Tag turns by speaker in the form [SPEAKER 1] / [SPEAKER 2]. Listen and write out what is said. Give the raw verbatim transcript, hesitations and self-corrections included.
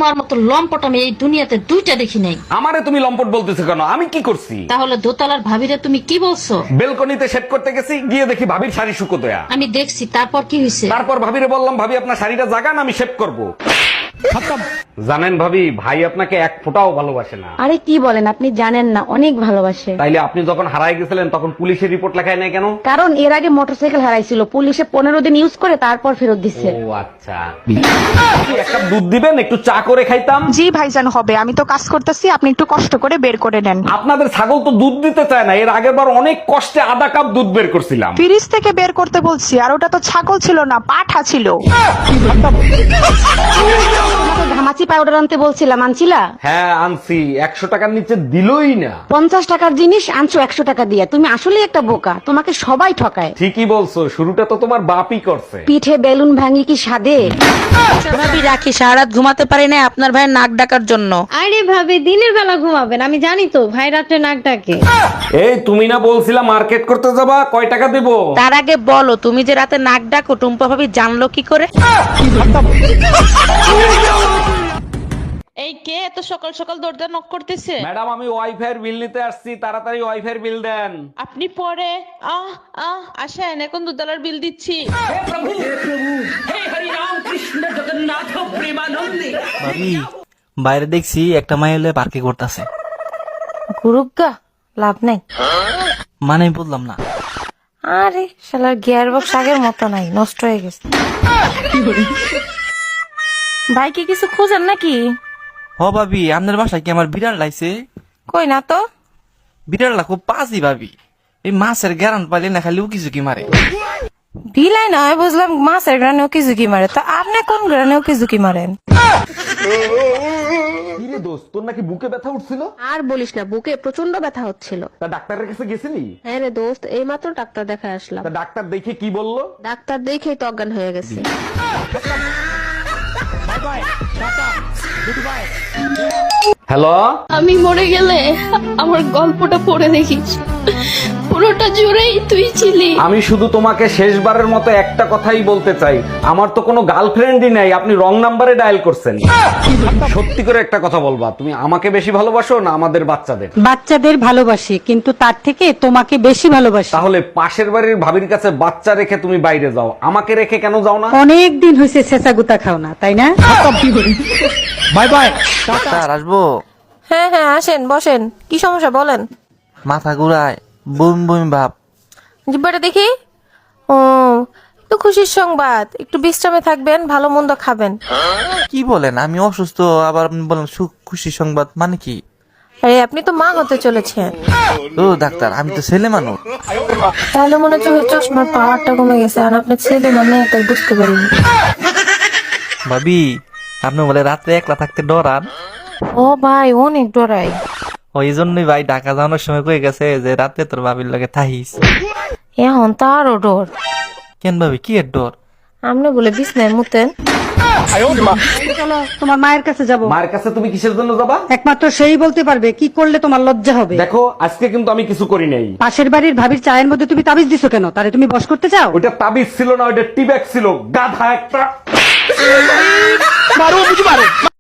[SPEAKER 1] তোমার মতো লম্পট আমি এই দুনিয়াতে দুইটা দেখি নাই।
[SPEAKER 2] আমারে তুমি লম্পট বলতেছো কেন? আমি কি করছি?
[SPEAKER 1] তাহলে দোতলার ভাবিরে তুমি কি বলছো?
[SPEAKER 2] বেলকনিতে সেট করতে গেছি, গিয়ে দেখি ভাবির শাড়ি শুকো দেয়া।
[SPEAKER 1] আমি দেখছি, তারপর কি হয়েছে?
[SPEAKER 2] তারপর ভাবিরে বললাম, ভাবি আপনার শাড়িটা জাগান, আমি শেভ করবো। জানেন ভাবি, ভাই আপনাকে এক ফোঁটাও ভালোবাসে না।
[SPEAKER 3] আরে কি বলেন, আপনি জানেন না, অনেক ভালোবাসে।
[SPEAKER 2] তাইলে আপনি যখন হারায় গেছিলেন তখন পুলিশের রিপোর্ট লেখায় নাই কেন?
[SPEAKER 3] কারণ এর আগে মোটরসাইকেল হারাইছিল, পুলিশে পনেরো দিন ইউজ করে তারপর ফেরত দিচ্ছে।
[SPEAKER 2] ও আচ্ছা। এক কাপ দুধ দিবেন, একটু চা করে খাইতাম।
[SPEAKER 4] জি ভাইজান হবে, আমি তো কাজ করতেছি, আপনি একটু কষ্ট করে বের করে নেন।
[SPEAKER 2] আপনাদের ছাগল তো দুধ দিতে চায় না। এর আগের বার অনেক কষ্টে আধা কাপ দুধ বের করছিলাম।
[SPEAKER 4] ফ্রিজ থেকে বের করতে বলছি, আর ওটা তো ছাগল ছিল না, পাঠা ছিল।
[SPEAKER 3] ঘামাচি পাউডার আনতে বলছিলাম, আনছিলা?
[SPEAKER 2] হ্যাঁ আনছি, একশো টাকার নিচে দিলই না।
[SPEAKER 3] পঞ্চাশ টাকার জিনিস আনছো একশো টাকা দিয়ে। তুমি আসলে একটা বোকা, তোমাকে সবাই ঠকায়।
[SPEAKER 2] ঠিকই বলছো, শুরুটা তো তোমার বাপই করছে।
[SPEAKER 3] পিঠে বেলুন ভাঙি কি সাদে?
[SPEAKER 5] ভাবি রাখি, সারা রাত ঘুমাতে পারি না আপনার ভাইয়ের নাক ডাকার জন্য।
[SPEAKER 6] আরে ভাবি, দিনের বেলা ঘুমাবেন, আমি জানি তো ভাই রাত্রে নাক ডাকে।
[SPEAKER 2] এই তুমি না বলছিলা মার্কেট করতে যাবা, কয় টাকা দেবো?
[SPEAKER 5] তার আগে বলো, তুমি যে রাতে নাক ডাকো টুম্পা ভাবি জানলো কি করে?
[SPEAKER 7] এই কে এত সকাল সকাল দরজা নক করতেছে?
[SPEAKER 2] ম্যাডাম আমি ওয়াইফাই বিল নিতে আসছি, তাড়াতাড়ি ওয়াইফাই বিল দেন।
[SPEAKER 7] আপনি পরে আহ আহ আসেন, এখন দুতলার বিল দিচ্ছি।
[SPEAKER 8] ভাবি বাইরে দেখছি একটা মাই হলে পার্কে করতেছে।
[SPEAKER 9] গুরুগা লাভ নাই।
[SPEAKER 8] মানে বললাম না।
[SPEAKER 9] আরে শালার গিয়ার বক্স আগের মতো নাই, নষ্ট হয়ে গেছে। ভাই কি কিছু খুঁজেন নাকি?
[SPEAKER 8] হ ভাবি, আপনার বাসায় কি আমার বিড়াল লাইছে?
[SPEAKER 9] কই না তো।
[SPEAKER 8] বিড়ালটা খুব পাজি ভাবি, এই মাছের গ্যারান পাইলে না খালি উকি ঝুঁকি মারে।
[SPEAKER 9] বিলাই নয় বুঝলাম, মাছের গ্রানেও কি ঝুঁকি মারে, তো আপনি কোন গ্রানেও কি ঝুঁকি মারেন?
[SPEAKER 2] কিরে দোস্ত, তোর নাকি বুকে ব্যথা উঠছিল?
[SPEAKER 3] আর বলিস না, বুকে প্রচন্ড ব্যথা হচ্ছিল।
[SPEAKER 2] তা ডাক্তারের কাছে গেছিলি?
[SPEAKER 3] হ্যাঁ রে দোস্ত, এই মাত্র ডাক্তার দেখা আসলাম।
[SPEAKER 2] তা ডাক্তার দেখে কি বললো?
[SPEAKER 3] ডাক্তার দেখেই তো অজ্ঞান হয়ে গেছে।
[SPEAKER 2] হ্যালো,
[SPEAKER 1] আমি মরে গেলে আমার গল্পটা পড়ে দেখিস, পুরোটা জুড়েই তুই ছিলি।
[SPEAKER 2] আমি শুধু তোমাকে শেষবারের মতো একটা কথাই বলতে চাই, আমার তো কোনো গার্লফ্রেন্ডই নাই, আপনি রং নাম্বারে ডায়াল করছেন। সত্যি করে একটা কথা বলবা, তুমি আমাকে বেশি ভালোবাসো না আমাদের বাচ্চাদের?
[SPEAKER 3] বাচ্চাদের ভালোবাসি, কিন্তু তার থেকে তোমাকে বেশি ভালোবাসি।
[SPEAKER 2] তাহলে পাশের বাড়ির ভাবির কাছে বাচ্চা রেখে তুমি বাইরে যাও, আমাকে রেখে কেন যাও না?
[SPEAKER 3] অনেক দিন হয়েছে ছেঁচা গুতা খাও না, তাই না?
[SPEAKER 8] Bye bye. ডাক্তার আসবো?
[SPEAKER 9] হ্যাঁ হ্যাঁ আসেন, বসেন। কি সমস্যা বলেন?
[SPEAKER 8] মাথা ঘুরায়, বুম বুম ভাব।
[SPEAKER 9] জিব্বাটা দেখি। ও, তো খুশির সংবাদ, একটু বিশ্রামে থাকবেন, ভালো মন্দ খাবেন।
[SPEAKER 8] কি বলেন, আমি অসুস্থ আবার আপনি বলেন সুখ খুশি সংবাদ, মানে কি?
[SPEAKER 9] আরে আপনি তো মা হতে চলেছেন।
[SPEAKER 8] ও ডাক্তার, আমি তো ছেলে মানুষ।
[SPEAKER 9] তাহলে মনে হচ্ছে চশমার পাওয়ারটা কমে গেছে, আর আপনি ছেলে মানে তাই বুঝতে পারিনি।
[SPEAKER 8] ভাবি আপনি বলে রাত্রে একলা থাকতে ডরান?
[SPEAKER 9] ও ভাই, অনেক ডরাই।
[SPEAKER 8] ওই জন্যই ভাই ঢাকা যাওয়ানোর সময় কয়ে গেছে যে রাতে তোর ভাবির লাগে থাহিস।
[SPEAKER 9] এখন তো আরো ডর।
[SPEAKER 8] কেন ভাবি, কি এর ডর?
[SPEAKER 9] আপনি বলে বিছনায় মুতেন।
[SPEAKER 3] চলো তোমার মায়ের কাছে যাব।
[SPEAKER 2] মায়ের কাছে তুমি কিসের জন্য যাবা?
[SPEAKER 3] একমাত্র সেই বলতে পারবে কি করলে তোমার লজ্জা হবে।
[SPEAKER 2] দেখো আজকে কিন্তু আমি কিছু করি নাই।
[SPEAKER 3] পাশের বাড়ির ভাবির চায়ের মধ্যে তুমি তাবিজ দিছো কেন? তারে তুমি বশ করতে চাও?
[SPEAKER 2] ওইটা তাবিজ ছিল না, ওইটা টিব্যাগ ছিল, গাধা একটা।